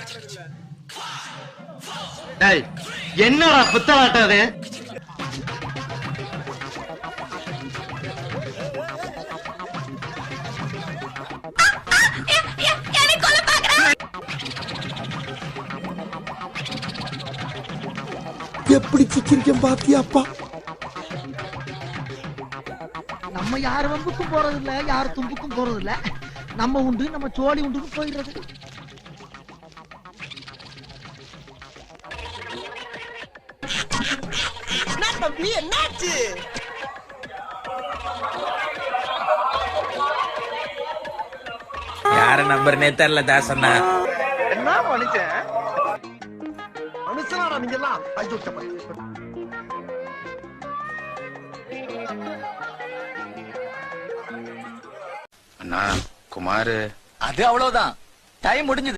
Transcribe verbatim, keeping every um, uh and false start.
என்னடா புத்தலாட்டம் அது? எப்படி சிக்கிரிக்கம் பாத்தியாப்பா? நம்ம யார் வம்புக்கும் போறது இல்ல, யார் தும்புக்கும் போறது இல்ல. நம்ம உண்டு, நம்ம சோழி உண்டு போயிடுறது. தம்பி என்னாச்சு? யார நம்பர்னே தெரியல தாசண்ணா. என்ன மனுஷன் மனுஷனா நீங்க எல்லாம்? அண்ணா குமாரு, அது அவ்வளவுதான், டைம் முடிஞ்சது.